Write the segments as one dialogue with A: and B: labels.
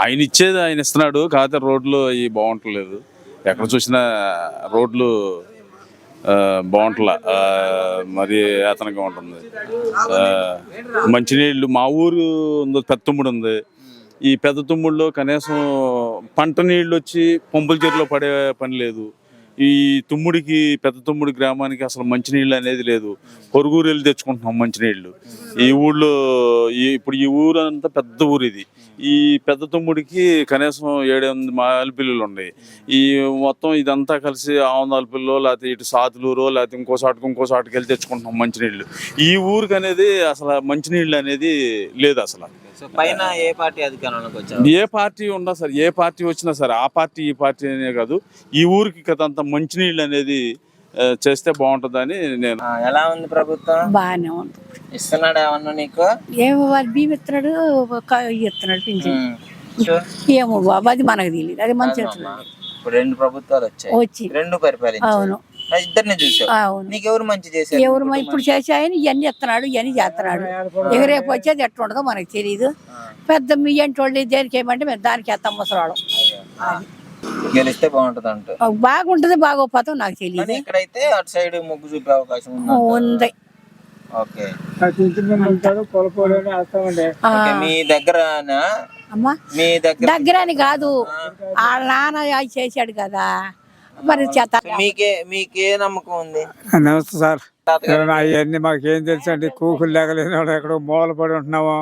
A: ఆయన ఇచ్చేది ఆయన ఇస్తున్నాడు, కాకపోతే రోడ్లు అవి బాగుంటలేదు. ఎక్కడ చూసినా రోడ్లు బాగుంటలా, మరి యాతనగా ఉంటుంది. మంచినీళ్ళు మా ఊరు ఉంది, పెద్ద తుమ్ముడు ఉంది. ఈ పెద్ద తుమ్ముడులో కనీసం పంట నీళ్ళు వచ్చి పంపుల చెరువులో పడే పని లేదు. ఈ తుమ్ముడికి, పెద్ద తుమ్ముడి గ్రామానికి అసలు మంచినీళ్ళు అనేది లేదు. పొరుగురు వెళ్ళి తెచ్చుకుంటున్నాం మంచినీళ్ళు. ఈ ఊళ్ళో ఇప్పుడు ఈ ఊరు అంతా పెద్ద ఊరు ఇది. ఈ పెద్ద తుమ్ముడికి కనీసం 7-8 మాలిపిల్లులు ఉన్నాయి. ఈ మొత్తం ఇదంతా కలిసి ఆవందాలపిల్లో, లేకపోతే ఇటు సాతులూరో, లేకపోతే ఇంకో సాటుకి వెళ్ళి తెచ్చుకుంటున్నాం మంచినీళ్ళు. ఈ ఊరికి అనేది అసలు మంచినీళ్ళు అనేది లేదు అసలు.
B: పైన ఏ పార్టీ అధికారంలోకి వచ్చారు?
A: ఏ పార్టీ ఉన్నా సరే, ఏ పార్టీ వచ్చినా సరే, ఆ పార్టీ ఈ పార్టీ అనే కాదు, ఈ ఊరికి కదంతా మంచినీళ్ళు అనేది చేస్తే బాగుంటుందని నేను.
B: ఎలా ఉంది ప్రభుత్వం?
C: బాగానే ఉంది.
B: ఇస్తున్నాడు ఏమన్నా నీకు?
C: ఏమో వాడు బియ్యం ఇస్తున్నాడు, ఇస్తున్నాడు పింఛన్. ఏమో బాబు, అది మనకు తెలియదు. అది మన చేతులు.
B: ఇప్పుడు 2 ప్రభుత్వాలు వచ్చాయి, 2 పరిపాలించారు.
C: అవును,
B: ఇద్దరిని చూసావు.
C: అవును.
B: నీకు ఎవరు మంచి చేశారు?
C: ఎవరు ఇప్పుడు చేసాయని ఇవన్నీ ఇస్తున్నాడు, ఇవన్నీ చేస్తున్నాడు. ఇక రేపు వచ్చేది ఎట్లా ఉండదో మనకు తెలియదు. పెద్ద మీ అంటి వాళ్ళు దేనికి ఏమంటే మేము దానికి వేస్తాం ముసరాడు.
B: గెలిస్తే బాగుంటది అంట.
C: బాగుంటది, బాగోపోతాం నాకు తెలియదు.
B: ఇక్కడైతే అటు సైడ్ మొగ్గు చూపే అవకాశం
C: ఉంది.
B: ఓకే. మీ దగ్గర
C: దగ్గర అని కాదు, వాళ్ళ నాన్న చేశాడు కదా, మరి చేత.
B: మీకే నమ్మకం ఉంది?
D: నమస్తే సార్. అవన్నీ మాకేం తెలుసు అండి, కూకులు లేకలేని వాడు ఎక్కడో మూల పడి ఉంటున్నాము.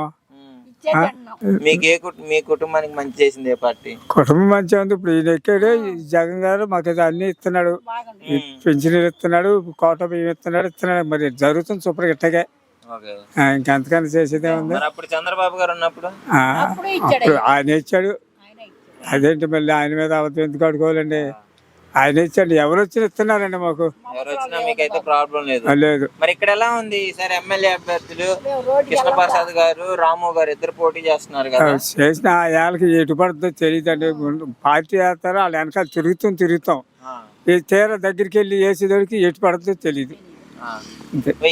B: మీ కుటుంబానికి మంచి చేసింది ఏ పార్టీ?
D: కుటుంబం మంచిగా ఉంది. ఇప్పుడు ఈయన ఎక్కాడు, జగన్ గారు మాకు అన్ని ఇస్తున్నాడు, పెన్షన్లు ఇస్తున్నాడు, కోట బియ్యం ఇస్తున్నాడు. మరి జరుగుతుంది సూపర్ గిట్టగా. ఇంకెంతకన్నా చేసేదే ఉంది.
B: అప్పుడు చంద్రబాబు గారు ఉన్నప్పుడు
D: అప్పుడు ఆయన ఇచ్చాడు. అదేంటి మళ్ళీ ఆయన మీద అవతల ఎందుకు అడుకోవాలండి? ఆయన ఇచ్చాడు. ఎవరు వచ్చినా ఇస్తున్నారండి మాకు.
B: ఎవరు వచ్చినా మీకైతే ప్రాబ్లం లేదు.
D: లేదు.
B: మరి ఇక్కడ ఎలా ఉంది? ఈసారి ఎమ్మెల్యే అభ్యర్థులు కృష్ణప్రసాద్ గారు, రాము గారు ఇద్దరు పోటీ చేస్తున్నారు కదా.
D: చేసిన ఆ ఏళ్ళకి ఎటు పడుతుందో తెలియదండి. పార్టీ వేస్తారో వాళ్ళ వెనకాల తిరుగుతాం. ఈ తీర దగ్గరికి వెళ్ళి వేసేదోడికి ఎటు పడుతుందో తెలియదు. అంతే.